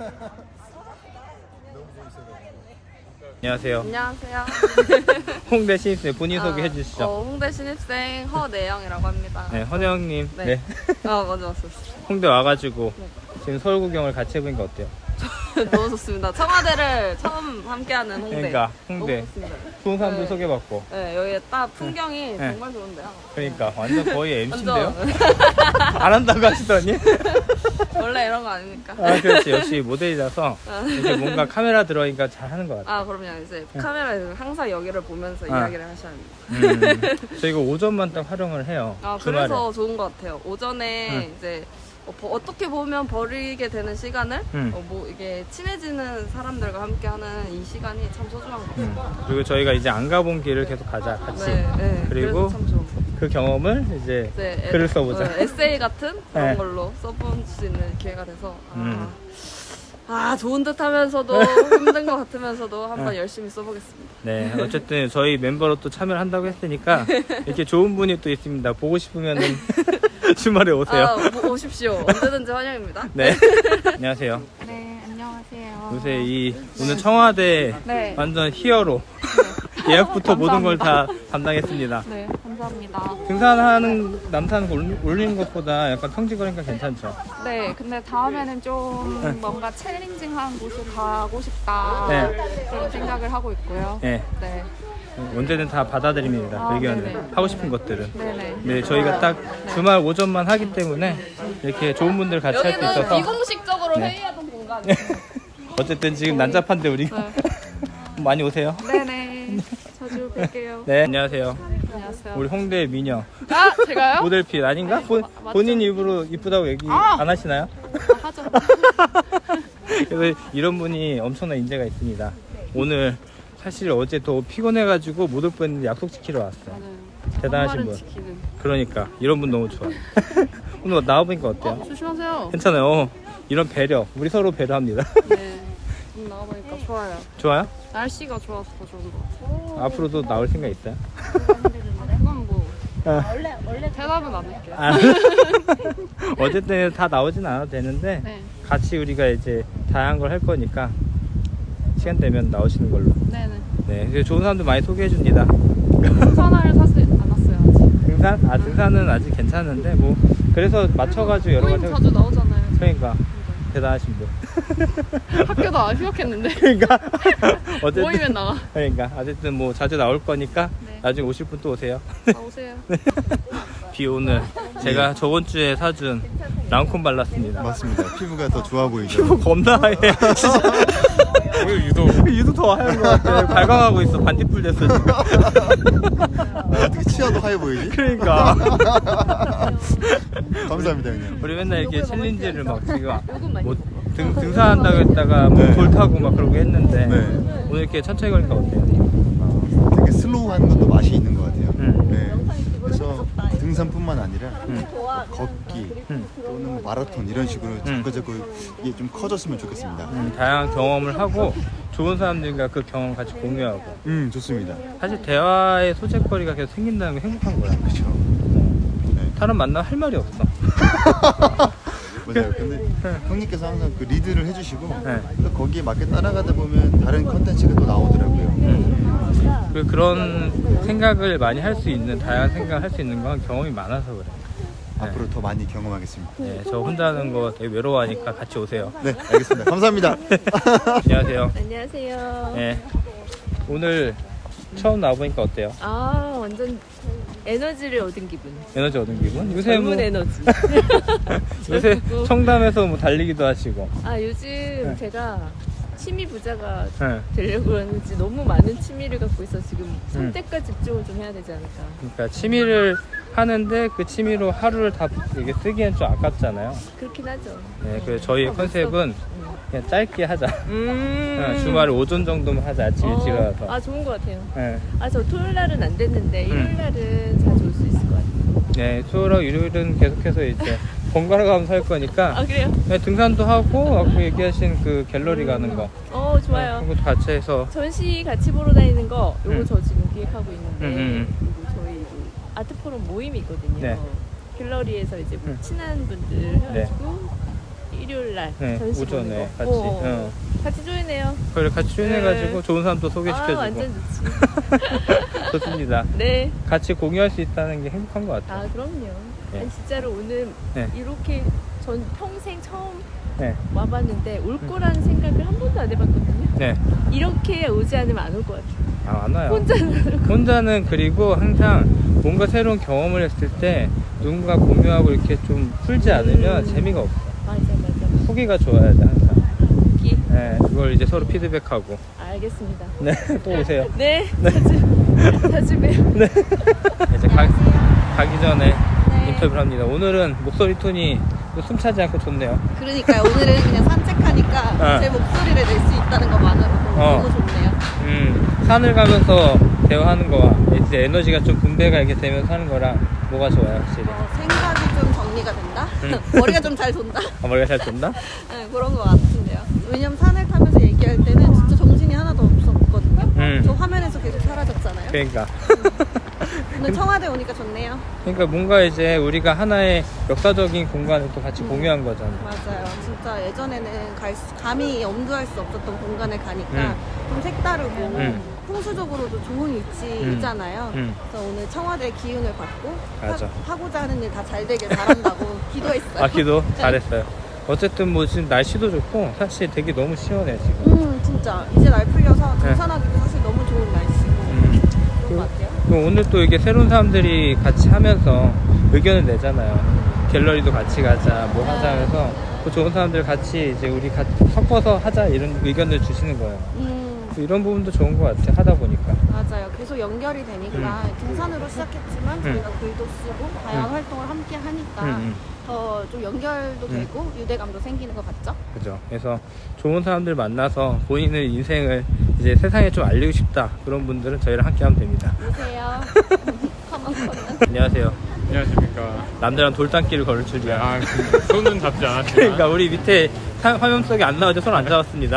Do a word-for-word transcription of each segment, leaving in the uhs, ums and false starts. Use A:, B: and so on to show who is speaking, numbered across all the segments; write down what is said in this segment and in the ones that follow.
A: 안녕하세요.
B: 안녕하세요.
A: 홍대 신입생 본인
B: 아,
A: 소개해 주시죠.
B: 어, 홍대 신입생 허내영이라고 합니다.
A: 네, 헌혜영님.
B: 네.
A: 네.
B: 아, 맞아, 맞아.
A: 홍대 와가지고
B: 네.
A: 지금 서울 구경을 같이 해보니까 어때요?
B: 너무 좋습니다. 청와대를 처음 함께하는 홍대.
A: 그러니까 홍대
B: 너무 좋습니다.
A: 좋은 사람들
B: 네.
A: 소개받고.
B: 네, 여기 딱 풍경이
A: 네.
B: 정말 좋은데요.
A: 그러니까 완전 거의 엠씨인데요?
B: 완전.
A: 안 한다고 하시더니?
B: 원래 이런 거 아닙니까?
A: 아, 그렇지. 역시 모델이라서 이렇게 뭔가 카메라 들어오니까 잘 하는 것 같아요.
B: 아, 그럼요. 이제 카메라에서 항상 여기를 보면서
A: 아.
B: 이야기를 하셔야 합니다.
A: 음, 저희가 오전만 딱 활용을 해요.
B: 아,
A: 주말에.
B: 그래서 좋은 것 같아요. 오전에
A: 응.
B: 이제 어, 버- 어떻게 보면 버리게 되는 시간을
A: 응.
B: 어, 뭐 이게 친해지는 사람들과 함께하는 이 시간이 참 소중한 것 같아요.
A: 음, 그리고 저희가 이제 안 가본 길을 계속 가자 같이.
B: 네, 네.
A: 그리고
B: 그래서 참 좋은 것 같아요.
A: 그 경험을 이제
B: 네,
A: 글을
B: 에-
A: 써보자.
B: 어, 에세이 같은 그런
A: 네.
B: 걸로 써볼 수 있는 기회가 돼서 아,
A: 음.
B: 아 좋은 듯 하면서도 힘든 것 같으면서도 한번
A: 네.
B: 열심히 써보겠습니다.
A: 네, 어쨌든 저희 멤버로 또 참여를 한다고 했으니까 이렇게 좋은 분이 또 있습니다. 보고 싶으면은 주말에 오세요.
B: 아, 오- 오십시오. 언제든지 환영입니다.
A: 네. 안녕하세요.
C: 네, 안녕하세요.
A: 요새 이 오늘 청와대
C: 네,
A: 완전 히어로 예약부터 모든 걸 다 담당했습니다.
C: 네, 감사합니다.
A: 등산하는 남산 올- 올리는 것보다 약간 평지거리니까 괜찮죠.
C: 네, 근데 다음에는 좀 뭔가 챌린징한 곳을 가고 싶다.
A: 네.
C: 그런 생각을 하고 있고요.
A: 네,
C: 네,
A: 언제든 다 받아들입니다.
C: 아,
A: 의견을
C: 네네.
A: 하고 싶은 것들은.
C: 네네.
A: 네, 저희가 딱 주말 오전만 하기 때문에 이렇게 좋은 분들 같이 할 수
B: 여기는
A: 있어서
B: 비공식적으로
A: 네.
B: 회의하던 공간이에요.
A: 어쨌든 지금 난잡한데 우리가
C: 네.
A: 많이 오세요.
C: 네네. 자주 뵐게요.
A: 네, 안녕하세요.
C: 안녕하세요.
A: 우리 홍대 미녀
C: 아, 제가요?
A: 모델핏 아닌가? 본,
C: 마- 맞죠?
A: 본인 입으로 이쁘다고 얘기
C: 아!
A: 안 하시나요?
C: 아, 하죠.
A: 그래서 이런 분이 엄청난 인재가 있습니다. 오늘 사실 어제 더 피곤해가지고 못 올 뻔했는데 약속 지키러 왔어요.
C: 맞아요.
A: 대단하신
C: 한
A: 분.
C: 말은 지키는.
A: 그러니까 이런 분 너무 좋아요. 오늘 나와보니까 어때요?
C: 어, 조심하세요.
A: 괜찮아요. 어, 이런 배려, 우리 서로 배려합니다.
C: 네. 좀 나가보니까 좋아요.
A: 좋아요?
C: 날씨가 좋아서 더 좋은 것 같아요.
A: 앞으로도 나올 생각 있어요?
C: 그건 뭐
A: 아,
C: 대답은 안 할게요.
A: 아. 어쨌든 다 나오진 않아도 되는데
C: 네.
A: 같이 우리가 이제 다양한 걸 할 거니까 시간 되면 나오시는 걸로.
C: 네네.
A: 네, 그래서 좋은 사람들 많이 소개해 줍니다.
C: 등산화를 사지 않았어요 아직.
A: 등산? 아, 등산은 아직 괜찮은데 뭐 그래서 맞춰가지고 여러
C: 모임
A: 가지
C: 자주 나오잖아요.
A: 그러니까 대단하신 분.
C: 학교도 안 휴학했는데
A: 그러니까 어쨌든
C: 모이면 나와.
A: 그러니까 어쨌든 뭐 자주 나올 거니까
C: 네.
A: 나중에 오실 분 또 오세요.
C: 나오세요.
A: 비 오늘 제가 저번 주에 사준 랑콤 발랐습니다.
D: 맞습니다. 피부가 더 좋아 보이죠.
A: 피부 겁나 하얘. 진짜.
D: 오늘 유독
A: 유독 더 하얀 것 같아. 발광하고 있어. 반딧불 됐어 지금.
D: 어떻게 치아도 하얘 보이지?
A: 그러니까
D: 감사합니다 형님.
A: 우리 맨날 이렇게 챌린지를 막 지금 뭐 등, 등산한다고 했다가 뭐
D: 네.
A: 돌 타고 막 그러고 했는데
D: 네.
A: 오늘 이렇게 천천히 걸으니까 어때요?
D: 아, 되게 슬로우한 것도 맛이 있는 것 같아요.
A: 음.
D: 네. 그래서 등산뿐만 아니라
A: 음.
D: 걷기
A: 음.
D: 또는 마라톤 이런 식으로 자꾸 자꾸 이게 좀 커졌으면 좋겠습니다.
A: 음, 다양한 경험을 하고 좋은 사람들과 그 경험 같이 공유하고
D: 음 좋습니다.
A: 사실 대화의 소재거리가 계속 생긴다는 게 행복한 거야.
D: 그렇죠. 네.
A: 사람 만나면 할 말이 없어.
D: 맞아요. 근데 형님께서 항상 그 리드를 해주시고
A: 네.
D: 또 거기에 맞게 따라가다 보면 다른 컨텐츠가 또 나오더라고요.
A: 음. 그 그런 생각을 많이 할 수 있는 다양한 생각을 할 수 있는 건 경험이 많아서 그래. 네.
D: 앞으로 더 많이 경험하겠습니다.
A: 네, 저 혼자 하는 거 되게 외로워하니까 같이 오세요.
D: 네, 알겠습니다. 감사합니다.
A: 안녕하세요.
B: 안녕하세요.
A: 네. 오늘 처음 나와보니까 어때요?
B: 아 완전 에너지를 얻은 기분.
A: 에너지 얻은 기분? 요새 뭐
B: 젊은 에너지.
A: 요새 청담에서 뭐 달리기도 하시고.
B: 아 요즘 제가 취미 부자가
A: 네.
B: 되려고 그러는지 너무 많은 취미를 갖고 있어 지금
A: 음.
B: 선택과 집중을 좀 해야 되지 않을까.
A: 그러니까 취미를 하는데 그 취미로 하루를 다 이게 쓰기엔 좀 아깝잖아요.
B: 그렇긴 하죠.
A: 네, 그래서 저희의
B: 어,
A: 컨셉은
B: 음.
A: 그냥 짧게 하자.
B: 음.
A: 어, 주말 오전 정도만 하자. 아침 일찍
B: 어,
A: 일어나서.
B: 아 좋은 것 같아요.
A: 네.
B: 아 저 토요일 날은 안 됐는데
A: 음.
B: 일요일 날은 자주 올 수 있을 것 같아요.
A: 네, 수요일하고 일요일은 계속해서 이제 번갈아 가면서 할 거니까
B: 아 그래요?
A: 네, 등산도 하고 아까 얘기하신 그 갤러리 가는 거
B: 어 좋아요.
A: 그런 것도 같이 해서
B: 전시 같이 보러 다니는 거 요거
A: 음.
B: 저 지금 기획하고 있는데
A: 음, 음,
B: 그리고 저희 그 아트 포럼 모임이 있거든요.
A: 네.
B: 갤러리에서 이제 뭐
A: 음.
B: 친한 분들 해가지고
E: 일요일 날
A: 네,
E: 전시
A: 오전에
E: 보는 거.
A: 같이.
E: 어.
A: 응.
E: 같이 조인해요.
A: 그걸 같이 조인해가지고
E: 네.
A: 좋은 사람도
E: 아
A: 소개시켜주고.
E: 완전 좋지.
A: 좋습니다.
E: 네.
A: 같이 공유할 수 있다는 게 행복한 것 같아요.
E: 아 그럼요.
A: 네.
E: 아니, 진짜로 오늘
A: 네.
E: 이렇게 전 평생 처음
A: 네.
E: 와봤는데 올 거라는 생각을 한 번도 안 해봤거든요.
A: 네.
E: 이렇게 오지 않으면 안 올 것 같아요.
A: 아, 안 와요.
E: 혼자는
A: 혼자는 그리고 항상 뭔가 새로운 경험을 했을 때 누군가 공유하고 이렇게 좀 풀지 않으면
E: 음.
A: 재미가 없어.
E: 맞아 맞아.
A: 후기가 좋아야 돼, 항상.
E: 여기
A: 네, 그걸 이제 서로 피드백하고.
E: 알겠습니다.
A: 네, 또 오세요.
E: 네. 자주 자주 봬요.
A: 네. 이제 가, 가기 전에
B: 네.
A: 인터뷰를 합니다. 오늘은 목소리 톤이 숨차지 않고 좋네요.
B: 그러니까요. 오늘은 그냥 산책하니까
A: 어.
B: 제 목소리를 낼 수 있다는 것만으로도
A: 어.
B: 너무 좋네요.
A: 음, 산을 가면서 대화하는 거와 이제 에너지가 좀 분배가 이렇게 되면서 하는 거랑 뭐가 좋아요, 확실히?
B: 어, 생각이 좀 정리가 된다?
A: 음.
B: 머리가 좀 잘 돈다?
A: 아, 머리가 잘 돈다?
B: 네, 그런 것 같은데요. 왜냐면 산을 타면서 얘기할 때는 진짜 정신이 하나도 없었거든요.
A: 음.
B: 저 화면에서 계속 사라졌잖아요.
A: 그러니까.
B: 오늘 청와대 오니까 좋네요.
A: 그러니까 뭔가 이제 우리가 하나의 역사적인 공간을 또 같이 공유한 거잖아.
B: 맞아요. 진짜 예전에는 갈 수- 감히 엄두할 수 없었던 공간을 가니까
A: 음.
B: 좀 색다르고
A: 음.
B: 풍수적으로도 좋은 위치이잖아요.
A: 음.
B: 그래서 오늘 청와대 기운을 받고
A: 맞아.
B: 하, 하고자 하는 일 다 잘 되길 바란다고 기도했어요.
A: 아, 기도
B: 네.
A: 잘했어요. 어쨌든 뭐 지금 날씨도 좋고 사실 되게 너무 시원해 지금.
B: 음, 진짜 이제 날 풀려서
A: 네.
B: 등산하기도 사실 너무 좋은 날씨고
A: 음.
B: 그런 것 같아요.
A: 그럼 오늘 또 이게 새로운 사람들이 같이 하면서 의견을 내잖아요. 갤러리도 같이 가자, 뭐 하자 해서 그 좋은 사람들 같이 이제 우리 같이 섞어서 하자 이런 의견을 주시는 거예요.
B: 음,
A: 이런 부분도 좋은 것 같아 하다 보니까.
B: 맞아요. 계속 연결이 되니까 등산으로 시작했지만 저희가 글도 쓰고 다양한
A: 음.
B: 활동을 함께 하니까
A: 음, 음.
B: 더 좀 연결도
A: 음.
B: 되고 유대감도 생기는 것 같죠?
A: 그죠. 그래서 좋은 사람들 만나서 본인의 인생을 이제 세상에 좀 알리고 싶다 그런 분들은 저희랑 함께 하면 됩니다.
B: 오세요. 컴온 컴온.
A: 안녕하세요.
F: 안녕하십니까.
A: 남자랑 돌담길을 걸을 줄이야.
F: 아, 그 손은 잡지 않았지만.
A: 그러니까 우리 밑에 사- 화면 속에 안 나오죠. 손 안 잡았습니다.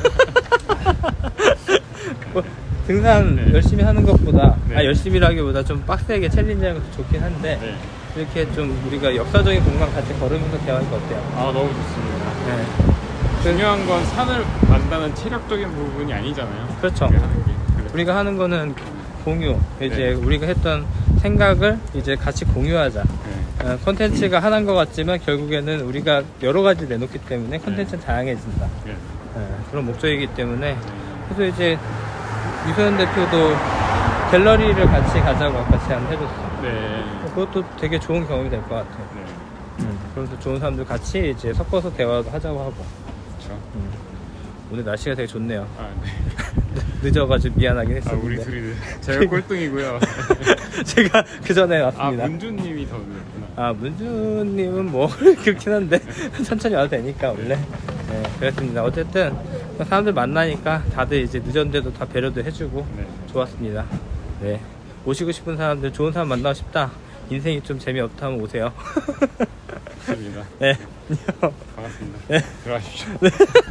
A: 뭐, 등산
F: 네.
A: 열심히 하는 것보다
F: 네.
A: 아, 열심히라기보다 좀 빡세게 챌린지하는 것도 좋긴 한데
F: 네.
A: 이렇게 좀 우리가 역사적인 공간 같이 걸으면서 대화하니까 어때요?
F: 아, 너무 좋습니다.
A: 네.
F: 중요한 건 산을 만다는 체력적인 부분이 아니잖아요.
A: 그렇죠.
F: 우리가 하는 게. 그래서
A: 우리가 하는 거는 공유. 이제
F: 네.
A: 우리가 했던 생각을 이제 같이 공유하자.
F: 네.
A: 어, 컨텐츠가 하나인 것 같지만 결국에는 우리가 여러 가지 내놓기 때문에 컨텐츠는 다양해진다.
F: 네.
A: 어, 그런 목적이기 때문에 그래서 이제 유소연 대표도 갤러리를 같이 가자고 아까 제안해줬어.
F: 네.
A: 그것도 되게 좋은 경험이 될 것 같아요.
F: 네.
A: 음, 그래서 좋은 사람들 같이 이제 섞어서 대화도 하자고 하고.
F: 그렇죠.
A: 음. 오늘 날씨가 되게 좋네요.
F: 아, 네.
A: 늦어가지고 미안하긴
F: 아,
A: 했었는데.
F: 우리 둘이 제가 꼴등이고요.
A: 제가 그 전에
F: 아,
A: 왔습니다.
F: 문주님이 더 늦었구나.
A: 아, 문주님은 뭐 그렇긴 한데 천천히 와도 되니까 원래. 네, 그렇습니다. 어쨌든 사람들 만나니까 다들 이제 늦었는데도 다 배려도 해주고
F: 네.
A: 좋았습니다. 네, 오시고 싶은 사람들, 좋은 사람 만나고 싶다. 인생이 좀 재미없다면 오세요.
F: 좋습니다.
A: 네,
F: 반갑습니다.
A: 네.
F: 들어가십시오.
D: 네,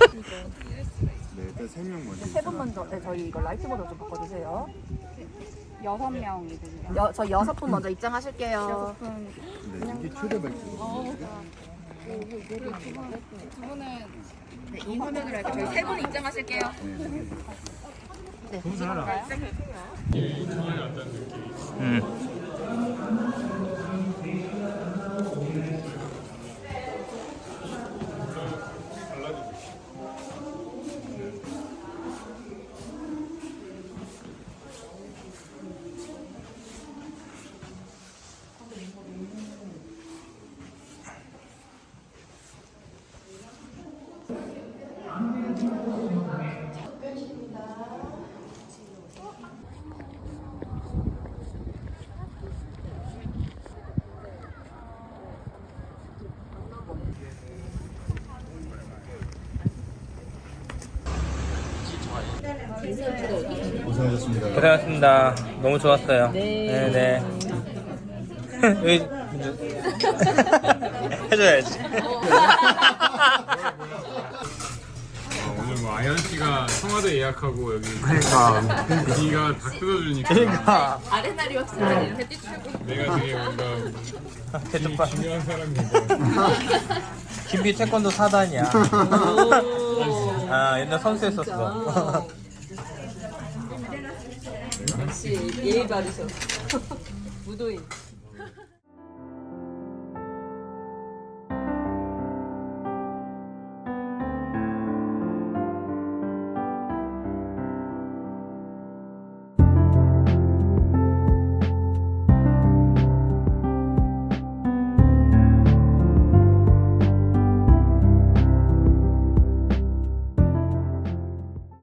D: 일단 세 명 먼저.
G: 세 분 먼저 네, 저희 이거 라이트 모드 좀 바꿔주세요.
C: 여섯 명이거든요.
G: 여, 저희 여섯 분 먼저 입장하실게요.
D: 네, 이게 초대박.
G: 네, 이 화면으로 할게요. 저희 세 분 입장하실게요. 네, 보실까요?
A: 음.
D: 고생하셨습니다.
A: 고생하셨습니다. 너무 좋았어요. 네, 네. 여기 문주 해줘야지.
F: 어, 오늘 뭐 아연 씨가 청와대 예약하고 여기 그러니까 네가 다 뜯어주니까
A: 그러니까
G: 아레나리 왁스는 햇빛 출고.
F: 내가 되게 뭔가
A: 대접받.
F: 중요한 사람인 거.
A: 김비 태권도 사단이야. 아 옛날 선수했었어.
B: 역시 예의 바르셔. 무도인.